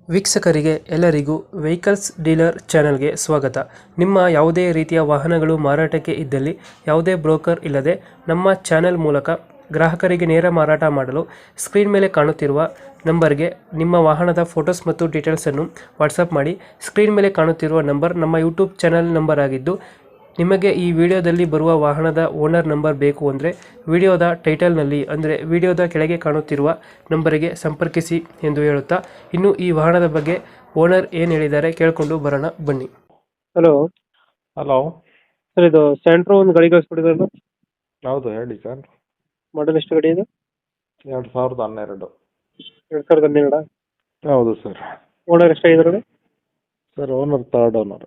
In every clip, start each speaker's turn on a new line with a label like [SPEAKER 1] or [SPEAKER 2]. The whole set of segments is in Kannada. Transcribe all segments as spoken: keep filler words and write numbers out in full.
[SPEAKER 1] ವೀಕ್ಷಕರಿಗೆ ಎಲ್ಲರಿಗೂ ವೆಹಿಕಲ್ಸ್ ಡೀಲರ್ ಚಾನೆಲ್ಗೆ ಸ್ವಾಗತ. ನಿಮ್ಮ ಯಾವುದೇ ರೀತಿಯ ವಾಹನಗಳು ಮಾರಾಟಕ್ಕೆ ಇದ್ದಲ್ಲಿ ಯಾವುದೇ ಬ್ರೋಕರ್ ಇಲ್ಲದೆ ನಮ್ಮ ಚಾನೆಲ್ ಮೂಲಕ ಗ್ರಾಹಕರಿಗೆ ನೇರ ಮಾರಾಟ ಮಾಡಲು ಸ್ಕ್ರೀನ್ ಮೇಲೆ ಕಾಣುತ್ತಿರುವ ನಂಬರ್ಗೆ ನಿಮ್ಮ ವಾಹನದ ಫೋಟೋಸ್ ಮತ್ತು ಡೀಟೇಲ್ಸನ್ನು ವಾಟ್ಸಪ್ ಮಾಡಿ. ಸ್ಕ್ರೀನ್ ಮೇಲೆ ಕಾಣುತ್ತಿರುವ ನಂಬರ್ ನಮ್ಮ ಯೂಟ್ಯೂಬ್ ಚಾನೆಲ್ ನಂಬರ್ ಆಗಿದ್ದು, ನಿಮಗೆ ಈ ವಿಡಿಯೋದಲ್ಲಿ ಬರುವ ವಾಹನದ ಓನರ್ ನಂಬರ್ ಬೇಕು ಅಂದರೆ ವಿಡಿಯೋದ ಟೈಟಲ್ನಲ್ಲಿ ಅಂದರೆ ವಿಡಿಯೋದ ಕೆಳಗೆ ಕಾಣುತ್ತಿರುವ ನಂಬರಿಗೆ ಸಂಪರ್ಕಿಸಿ ಎಂದು ಹೇಳುತ್ತಾ, ಇನ್ನು ಈ ವಾಹನದ ಬಗ್ಗೆ ಓನರ್ ಏನು ಹೇಳಿದ್ದಾರೆ ಕೇಳಿಕೊಂಡು ಬರೋಣ ಬನ್ನಿ. Hello
[SPEAKER 2] hello.
[SPEAKER 1] ಸರ್, ಇದು ಸ್ಯಾಂಟ್ರೋ ಒಂದು ಗಾಡಿ ಕಳಿಸ್ಕೊಟ್ಟಿದ್ರಲ್ಲ,
[SPEAKER 2] ಹೌದು, ಹೇಳಿ ಸರ್.
[SPEAKER 1] ಮಾಡಲ್ ಎಷ್ಟು ಗಾಡಿ ಇದು?
[SPEAKER 2] ಎರಡು ಸಾವಿರದ ಹನ್ನೆರಡು.
[SPEAKER 1] ಎರಡು ಸಾವಿರದ ಹನ್ನೆರಡ
[SPEAKER 2] ಹೌದು ಸರ್.
[SPEAKER 1] ಓನರ್ ಎಷ್ಟಾಗಿದ್ದಾರೆ?
[SPEAKER 2] Sir, owner third owner.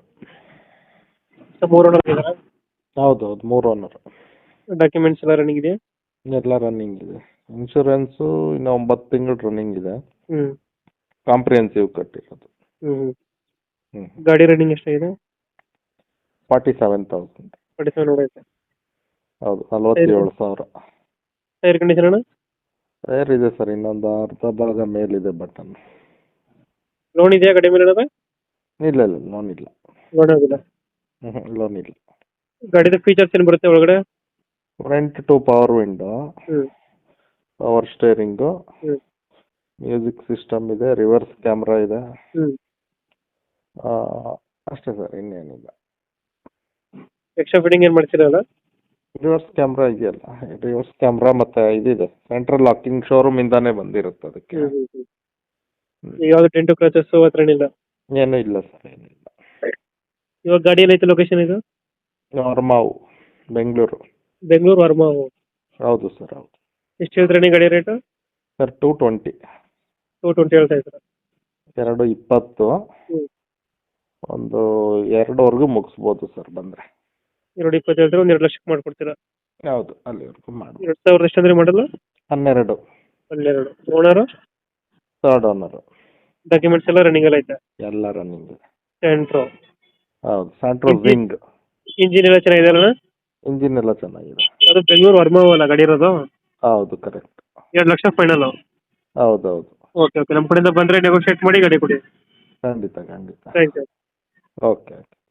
[SPEAKER 1] ಮೂರು ಓನರ್ ಇದ್ದಾರಾ?
[SPEAKER 2] ಹೌದು ಹೌದು, ಮೂರು ಓನರ್.
[SPEAKER 1] ಡಾಕ್ಯುಮೆಂಟ್ಸ್ ಎಲ್ಲ ರನ್ನಿಂಗ್ ಇದೆಯಾ?
[SPEAKER 2] ಎಲ್ಲ ರನ್ನಿಂಗ್ ಇದೆ. ಇನ್ಶೂರೆನ್ಸು ಇನ್ನು ಒಂಬತ್ತು ತಿಂಗಳು ರನ್ನಿಂಗ್ ಇದೆ.
[SPEAKER 1] ಹ್ಮ್
[SPEAKER 2] ಕಾಂಪ್ರಿಹೆನ್ಸಿವ್ ಕಟ್ಟಿರೋದು.
[SPEAKER 1] ಹ್ಮ್
[SPEAKER 2] ಹ್ಞೂ
[SPEAKER 1] ಗಾಡಿ ರನ್ನಿಂಗ್ ಎಷ್ಟಾಗಿದೆ?
[SPEAKER 2] Forty seven thousand.
[SPEAKER 1] Forty seven ಹೊಡೈತೆ.
[SPEAKER 2] ಹೌದು, ನಲ್ವತ್ತೇಳು ಸಾವಿರ.
[SPEAKER 1] ಟೈರ್ ಕಂಡೀಷನ್ ಅಣ್ಣ?
[SPEAKER 2] ಟೈರ್ ಇದೆ ಸರ್, ಇನ್ನೊಂದು ಅರ್ಧ ಭಾಗ ಮೇಲಿದೆ ಬಟನ್.
[SPEAKER 1] ಲೋನ್ ಇದೆಯಾ ಗಾಡಿ ಮೇಲೆ?
[SPEAKER 2] ಇಲ್ಲ ಇಲ್ಲ, ಲೋನ್ ಇಲ್ಲ.
[SPEAKER 1] ಲೋನ್ ಆಗಿಲ್ಲ.
[SPEAKER 2] ಹ್ಞೂ ಲೋನ್ ಇಲ್ಲ.
[SPEAKER 1] ಗಾಡಿದ ಫೀಚರ್ಸ್ ಏನು ಬರುತ್ತೆ ಒಳಗಡೆ?
[SPEAKER 2] Front two power window,
[SPEAKER 1] hmm
[SPEAKER 2] power steering,
[SPEAKER 1] hmm
[SPEAKER 2] music system ಇದೆ, ರಿವರ್ಸ್ ಕ್ಯಾಮ್ರಾ ಇದೆ.
[SPEAKER 1] ಹ್ಮ್
[SPEAKER 2] ಆ, ಅಷ್ಟೇ ಸರ್, ಇನ್ನೇನಿಲ್ಲ.
[SPEAKER 1] ಎಕ್ಸ್ಟ್ರಾ ಫಿಟ್ಟಿಂಗ್ ಏನು ಮಾಡ್ತಿರಲ್ಲ?
[SPEAKER 2] ರಿವರ್ಸ್ ಕ್ಯಾಮ್ರಾ ಇದೆಯಲ್ಲ, ರಿವರ್ಸ್ ಕ್ಯಾಮ್ರಾ ಮತ್ತೆ ಇದಿದೆ, ಸೆಂಟ್ರಲ್ ಲಾಕಿಂಗ್ ಶೋರೂಮ್ ಇಂದಾನೆ ಬಂದಿರುತ್ತೆ ಅದಕ್ಕೆ.
[SPEAKER 1] ಹ್ಮ್ ಹ್ಮ್ ಹ್ಮ್ ಈಗ ಯಾವ್ದು ಟೆಂಟು ಕ್ರಾಚಸ್ ಹತ್ರ ಏನಿಲ್ಲ?
[SPEAKER 2] ಏನೂ ಇಲ್ಲ ಸರ್, ಏನಿಲ್ಲ.
[SPEAKER 1] ಇವಾಗ ಗಾಡಿ ಏನೈತೆ ಲೊಕೇಶನ್ ಇದು?
[SPEAKER 2] ವರ್ಮಾವು, ಬೆಂಗಳೂರು.
[SPEAKER 1] ಬೆಂಗಳೂರು ವರ್ಮಾ.
[SPEAKER 2] ಹೌದು ಸರ್, ಹೌದು.
[SPEAKER 1] ಎಷ್ಟು ಹೇಳ್ತಾರೆ ಗಾಡಿ ರೇಟು?
[SPEAKER 2] Sir, two twenty.
[SPEAKER 1] Two twenty ಹೇಳ್ತಾ ಇದ್ದಾರೆ.
[SPEAKER 2] ಎರಡು ಇಪ್ಪತ್ತು,
[SPEAKER 1] ಹ್ಮ್
[SPEAKER 2] ಒಂದು ಎರಡುವರೆಗೂ ಮುಗಿಸ್ಬೋದು ಸರ್ ಬಂದರೆ.
[SPEAKER 1] ಎರಡು ಇಪ್ಪತ್ತು ಹೇಳಿದ್ರೆ ಒಂದು ಎರಡು ಲಕ್ಷಕ್ಕೆ ಮಾಡ್ಕೊಡ್ತೀರಾ?
[SPEAKER 2] ಹೌದು, ಅಲ್ಲಿವರೆಗೂ ಮಾಡ್ಬೋದು.
[SPEAKER 1] ಎರಡು ಸಾವಿರದ ಎಷ್ಟು ಅಂದ್ರೆ ಮಾಡಲ್ಲ?
[SPEAKER 2] ಹನ್ನೆರಡು.
[SPEAKER 1] ಹನ್ನೆರಡು. ಓನರು?
[SPEAKER 2] Third owner.
[SPEAKER 1] ಡಾಕ್ಯುಮೆಂಟ್ಸ್ ಎಲ್ಲ ರನ್ನಿಂಗ್ ಎಲ್ಲ ಐತೆ?
[SPEAKER 2] ಎಲ್ಲ ರನ್ನಿಂಗ್ ಇದೆ.
[SPEAKER 1] ಸೆಂಟ್ರೋ?
[SPEAKER 2] ಹೌದು, ಸೆಂಟ್ರೋ ಜಿಂಗ್.
[SPEAKER 1] ಇಂಜಿನ್ ಎಲ್ಲ ಚೆನ್ನಾಗಿದೆ ಅಲ್ಲ?
[SPEAKER 2] ಇಂಜಿನ್ ಎಲ್ಲ ಚೆನ್ನಾಗಿದೆ.
[SPEAKER 1] ಅದು ಬೆಂಗಳೂರು ವರ್ಮಾ ಅಲ್ಲ ಗಾಡಿ ಇರೋದು?
[SPEAKER 2] ಹೌದು, ಕರೆಕ್ಟ್.
[SPEAKER 1] ಎರಡು ಲಕ್ಷ ಫೈನಲ್?
[SPEAKER 2] ಹೌದು ಹೌದು.
[SPEAKER 1] ಓಕೆ ಓಕೆ, ನಮ್ಮ ಕಡೆಯಿಂದ ಬಂದರೆ ನೆಗೋಷಿಯೇಟ್ ಮಾಡಿ ಗಾಡಿ ಕೊಡಿ.
[SPEAKER 2] ಖಂಡಿತ ಖಂಡಿತ.
[SPEAKER 1] Thank you.
[SPEAKER 2] Okay okay.